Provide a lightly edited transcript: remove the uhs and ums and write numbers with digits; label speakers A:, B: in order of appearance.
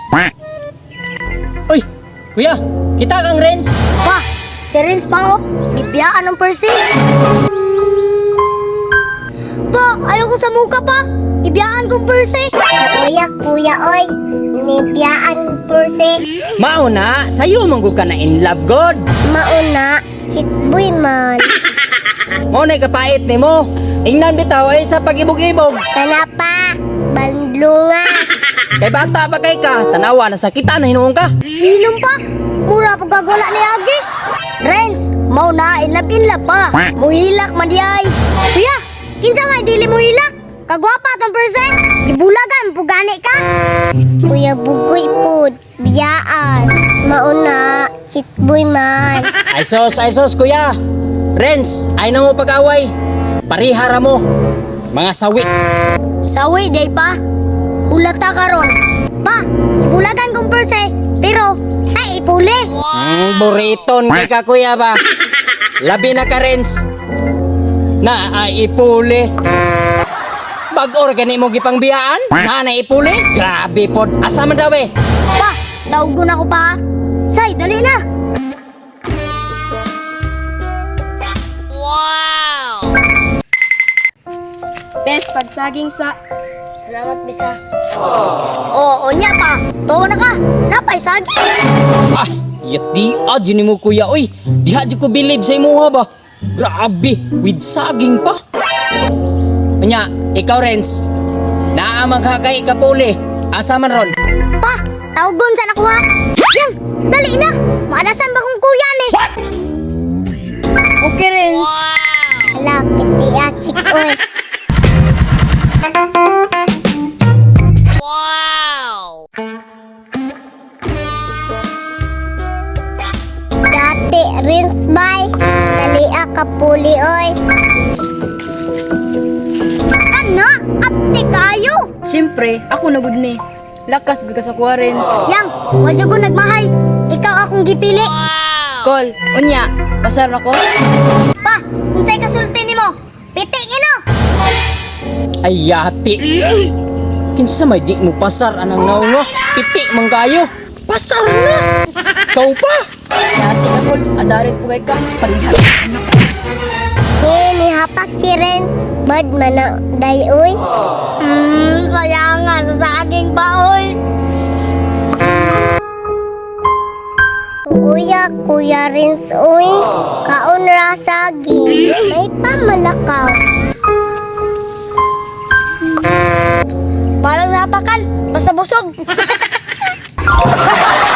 A: Uy, kuya, kita kang Renz.
B: Pa, si Renz pa oh. Bibiyaan ng Percy. Pa, ayoko sa muka pa. Ibiyaan kong Percy. Kuya, oy. Nibiyaan Percy.
A: Mauna, sayo manggo ka na in love god.
B: Mauna, chitboy man.
A: Mauna kapait ni mo. Ingnan bitaw ay sa pag-ibog-ibog.
B: Kana pa, bandlunga.
A: Kay bata pa kay ka, tanawa na sakita na hinuong ka.
B: Inom pa. Mura pagkagwala ni Agi. Renz, mauna, inlap pa. Muhilak man di ay. Kuya, kinsa may dili muhilak? Kagwapa tong Percy. Gibulagan, pugani ka. Kuya bugoy pod, biyaan. Mauna, chitboy man.
A: Ay sos, kuya. Renz, ay na mo pag-away. Parihara mo. Mga sawi.
B: Sawi, day pa. Ulata karon. Pa, ibulagan kong Percy. Pero, ay ipuli.
A: Buriton kay ka kuya ba? Labi na ka Renz. Na ay ipuli. Bag-organi mo gipang biyaan? Na ipuli? Grabe pod. Asa man daw eh?
B: Pa, tawgon ako pa. Say, dali na. Best pagsaging sa... Salamat, Bisa. Oo, nya pa. Tuwa na ka. Napay saging.
A: Ah, yati adyo mo kuya. Uy, diha di ko believe sa imo ba? Grabe, with saging pa. Anya, ikaw Renz. Naamang kakay kapuli. Asa man ron?
B: Pa, tawgon sa nakuha. Yang, dali na. Maanasan ba kong kuya ni? Okay, Renz. Hala, piti achik, oy. Dati, Renz, bay. Dali ka puli, oy. Ano? Ate kayo?
C: Siyempre, ako na gud ni. Lakas gud ka sa kuha, Renz.
B: Yang, wadyo ko nagmahay. Ikaw akong gipili.
C: Kol, unya, pasar na ko.
B: Pa, unsay kasulti nimo? Pitik ino.
A: Ay yati. Kinsa may di mo pasar anang naunga. Piti manggayo. Pasar na. Kau pa.
C: Yati ka, Kol. Adarit po kay ka. Parihar.
B: Ni hapak si Renz. Bad man na dayoy. Sayangan sa aking baoy. Kuya Renz, uy. Kaon ra sagi. May pamalakaw. Palang napakal. Basta busog.